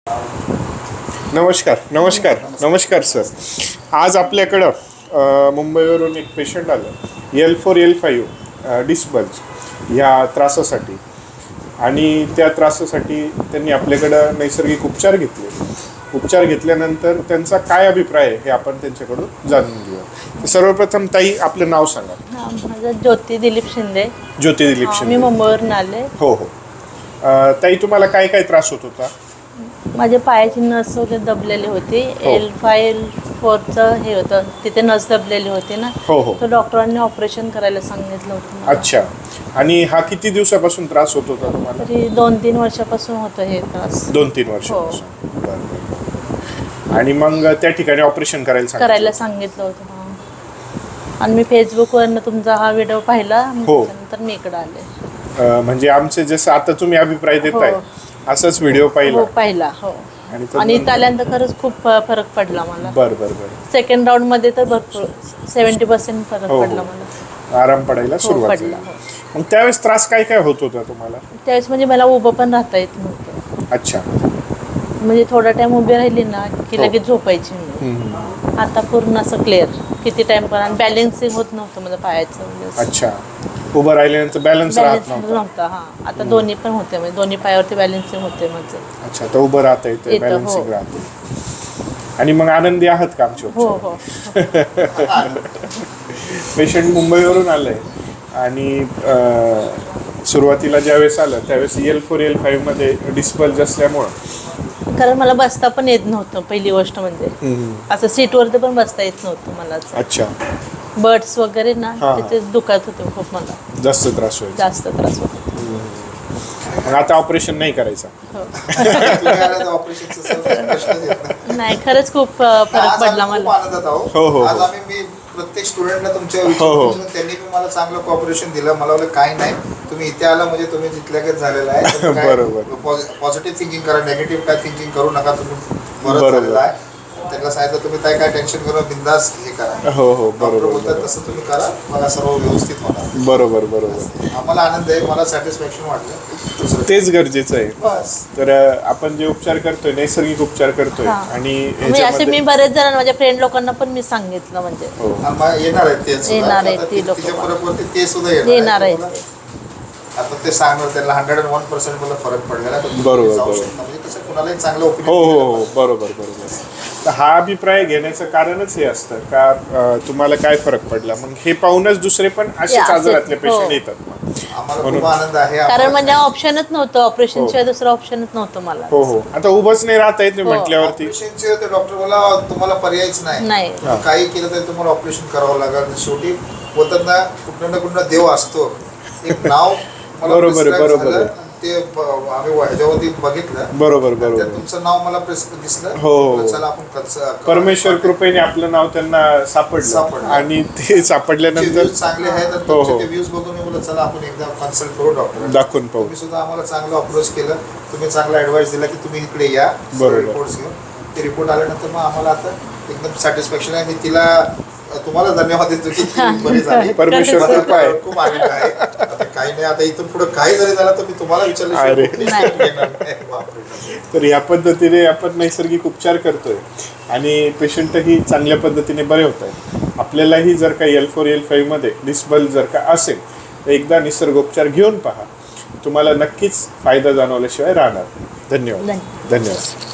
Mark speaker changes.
Speaker 1: नमस्कार नमस्कार नमस्कार सर. आज आपल्याकडं मुंबईवरून एक पेशंट आलं L4 L5 डिस्बल्ज ह्या त्रासासाठी, आणि त्या त्रासासाठी त्यांनी आपल्याकडं नैसर्गिक उपचार घेतले. उपचार घेतल्यानंतर त्यांचा काय अभिप्राय आहे हे आपण त्यांच्याकडून जाणून घेऊया. सर्वप्रथम ताई, आपलं नाव सांगा.
Speaker 2: माझं ज्योती दिलीप शिंदे.
Speaker 1: ज्योती दिलीप शिंदे.
Speaker 2: मी मुंबईवरून आले.
Speaker 1: हो हो. ताई, तुम्हाला काय काय त्रास होत होता?
Speaker 2: माझे पायाची नस वगैरे दबलेली होती. L5 L4 हे होतं, तिथे नस दबलेली होती ना.
Speaker 1: हो हो.
Speaker 2: तर डॉक्टरांनी ऑपरेशन करायला सांगितलं होतं मला.
Speaker 1: अच्छा. आणि हा किती दिवसापासून त्रास होत होता तुम्हाला?
Speaker 2: तरी 2-3 वर्षापासून होतं हे त्रास.
Speaker 1: 2-3 वर्षापासून. बरं. आणि मग त्या ठिकाणी ऑपरेशन करायला
Speaker 2: सांगितलं होतं. आणि मी फेसबुकवरनं तुमचा हा व्हिडिओ पाहिला. त्यानंतर मी इकडे आले.
Speaker 1: म्हणजे आमचे जसं आता तुम्ही अभिप्राय देताय असंच व्हिडिओ
Speaker 2: पाहिला. हो. आणि इथं आल्यानंतर खरंच खूप फरक पडला मला.
Speaker 1: बरं.
Speaker 2: सेकंड राऊंड मध्ये तर भरपूर 70% फरक पडला मला.
Speaker 1: आराम पडायला सुरुवात झाली. मग त्यावेळेस त्रास काय काय होत होता तुम्हाला?
Speaker 2: त्यावेळेस म्हणजे मला उभं पण राहता येत नव्हतं.
Speaker 1: अच्छा. म्हणजे
Speaker 2: थोडा टाइम उभी राहिली ना की लगेच झोपायची मी. आता पूर्ण असं क्लिअर किती टाइम पण. आणि बॅलन्सिंग होत नव्हतं माझं पायाचं.
Speaker 1: अच्छा. उभं राहिल्यानंतर बॅलन्स राहत
Speaker 2: नव्हता. हा, आता दोन्ही पण होते, म्हणजे दोन्ही पायावरती बॅलन्सिंग होते माझं.
Speaker 1: अच्छा. तर उभं राहता येते, बॅलन्सिंग राहते. आणि मग आनंदी आहात का आमच्या?
Speaker 2: हो हो.
Speaker 1: पेशंट मुंबईवरून आलंय आणि सुरुवातीला ज्यावेळेस आलं त्यावेळेस L4 L5 मध्ये डिस्बल्ज असल्यामुळं
Speaker 2: कारण मला बसता पण येत नव्हतं. पहिली गोष्ट म्हणजे असं सीटवरती पण बसता येत नव्हतं मला.
Speaker 1: अच्छा.
Speaker 2: बर्ड्स वगैरे ना तिथे दुखत होते खूप. मला
Speaker 1: जास्त त्रास होतो. मग आता ऑपरेशन नाही करायचं?
Speaker 2: नाही, खरंच खूप फरक पडला मला.
Speaker 1: हो हो.
Speaker 3: आज मी प्रत्येक स्टुडंटला तुमच्या त्यांनी पण मला चांगलं कॉपरेशन दिलं. मला वाटलं काही नाही, तुम्ही इथे आला म्हणजे तुम्ही जिथल्यागत झालेला आहे.
Speaker 1: बरोबर.
Speaker 3: पॉझिटिव्ह थिंकिंग करा, नेगेटिव्ह काय थिंकिंग करू नका. तुम्ही बरं झालेला आहे. त्यांना सांगितलं तुम्ही काय टेन्शन करून बिंदास हे करा.
Speaker 1: हो हो. बरोबर.
Speaker 3: बोलतात तसं तुम्ही करा, मला सर्व व्यवस्थित होणार.
Speaker 1: बरोबर.
Speaker 3: आम्हाला आनंद आहे, मला सॅटिस्फॅक्शन वाटलं.
Speaker 1: तेच गरजेचं आहे.
Speaker 3: बस.
Speaker 1: तर आपण जे उपचार करतोय, नैसर्गिक उपचार करतोय, आणि
Speaker 2: असे मी बरेच जण माझ्या फ्रेंड लोकांना पण मी सांगितलं. म्हणजे
Speaker 3: येणार आहेत ते लोक. ते सुद्धा येणार आहेत. आता ते सांगणार त्यांना 101% मला फरक पडलेला.
Speaker 1: बरोबर.
Speaker 3: म्हणजे कसं कुणालाही चांगलं
Speaker 1: हो. बरोबर. तर हा अभिप्राय घेण्याचं कारणच हे असतं का तुम्हाला काय फरक पडला. मग हे पाहूनच दुसरे पण असेच आजारातले पेशंट येतात.
Speaker 3: आम्हाला खूप आनंद आहे.
Speaker 2: कारण म्हणजे ऑप्शनच नव्हतं, ऑपरेशन शिवाय दुसरं ऑप्शनच नव्हतं मला.
Speaker 1: हो. आता उभंच नाही राहता येत म्हटल्यावरती.
Speaker 3: ऑपरेशनचे डॉक्टर बोला तुम्हाला पर्यायच नाही. काही केलं तरी तुम्हाला ऑपरेशन करावं लागेल. शेवटी बोलतात ना, कुठं ना कुठं देव असतो. एक नाव
Speaker 1: बरोबर.
Speaker 3: ते आम्ही ह्याच्यावरती बघितलं.
Speaker 1: बरोबर.
Speaker 3: तुमचं नाव मला दिसलं.
Speaker 1: हो.
Speaker 3: चला आपण
Speaker 1: परमेश्वर कृपेने आपलं नाव त्यांना सापडलं. आणि ते सापडल्यानंतर
Speaker 3: चांगले आहेत. ते व्ह्यूज बघून मी बोलत चला आपण एकदा कन्सल्ट करू डॉक्टर.
Speaker 1: दाखवून पाहू.
Speaker 3: तुम्ही सुद्धा आम्हाला चांगलं अप्रोच केलं. तुम्ही चांगला ऍडवाइस दिला की तुम्ही इकडे या. रिपोर्ट्स घेऊन ते रिपोर्ट आल्यानंतर मग आम्हाला आता एकदम सॅटिस्फॅक्शन आहे. मी तिला तुम्हाला धन्यवाद देतो की बरी झाली.
Speaker 1: परमेश्वर कृपा आहे.
Speaker 3: खूप आनंद आहे. आता काही नाही, आता इथून पुढे काही जरी झालं तर मी तुम्हाला विचारलं.
Speaker 1: तर या पद्धतीने आपण नैसर्गिक उपचार करतोय आणि पेशंटही चांगल्या पद्धतीने बरे होत आहेत. आपल्यालाही जर का L4 L5 मध्ये डिस्बल्ज जर का असेल तर एकदा निसर्गोपचार घेऊन पहा. तुम्हाला नक्कीच फायदा जाणवल्याशिवाय राहणार. धन्यवाद.